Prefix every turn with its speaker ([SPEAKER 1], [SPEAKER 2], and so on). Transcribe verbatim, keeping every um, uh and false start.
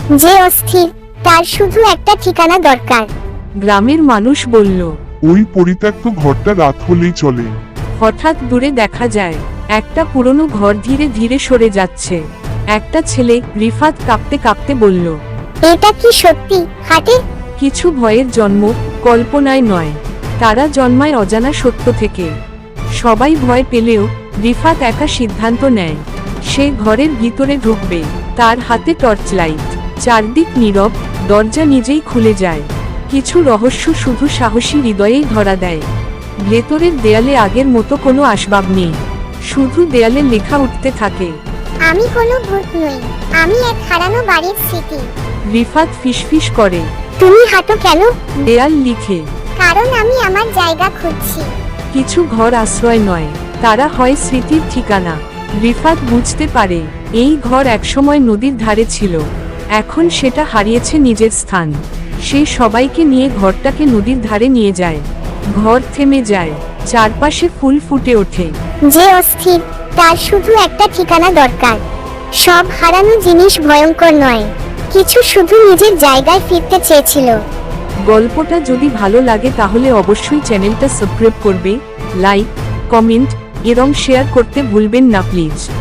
[SPEAKER 1] যে অস্থির, তার শুধু একটা ঠিকানা দরকার।
[SPEAKER 2] গ্রামের মানুষ বলল।
[SPEAKER 3] ওই পরিত্যক্ত ঘরটা রাত হলেই চলে।
[SPEAKER 2] হঠাৎ দূরে দেখা যায় একটা পুরনো ঘর ধীরে ধীরে সরে যাচ্ছে। একটা ছেলে রিফাত কাঁপতে কাঁপতে বলল,
[SPEAKER 1] এটা কি সত্যি হাটে?
[SPEAKER 2] কিছু ভয়ের জন্ম কল্পনায় নয়, তারা জন্মায় অজানা সত্য থেকে। সবাই ভয় পেলেও রিফাত একা সিদ্ধান্ত নেয়, সে ঘরের ভিতরে ঢুকবে। তার হাতে টর্চ লাইট, চারদিক নীরব, দরজা নিজেই খুলে যায়। কিছু রহস্য শুধু সাহসী হৃদয়েই ধরা দেয়। ভেতরের দেয়ালে আগের মতো কোনো আসবাব নেই, শুধু দেয়ালে লেখা উঠতে থাকে,
[SPEAKER 1] আমি কোনো ভূত নই, আমি এক হারানো বাড়ির স্মৃতি।
[SPEAKER 2] রিফাত ফিসফিস করে,
[SPEAKER 1] তুমি হাঁটো কেন?
[SPEAKER 2] দেয়াল লিখে,
[SPEAKER 1] কারণ আমি আমার জায়গা খুঁজছি।
[SPEAKER 2] কিছু ঘর আশ্রয় নয়, তারা হয় স্মৃতির ঠিকানা। রিফাত বুঝতে পারে এই ঘর একসময় নদীর ধারে ছিল, এখন সেটা হারিয়েছে নিজের স্থান। সে সবাইকে নিয়ে ঘরটাকে নদীর ধারে নিয়ে যায়। ঘর থেমে যায়, চারপাশে ফুল ফুটে ওঠে।
[SPEAKER 1] যে অস্থির, তার শুধু একটা ঠিকানা দরকার। সব হারানো জিনিস ভয়ঙ্কর নয়, কিছু শুধু নিজের জায়গায় ফিরতে চেয়েছিল।
[SPEAKER 2] গল্পটা যদি ভালো লাগে তাহলে অবশ্যই চ্যানেলটা সাবস্ক্রাইব করবে, লাইক, কমেন্ট এবং শেয়ার করতে ভুলবেন না প্লিজ।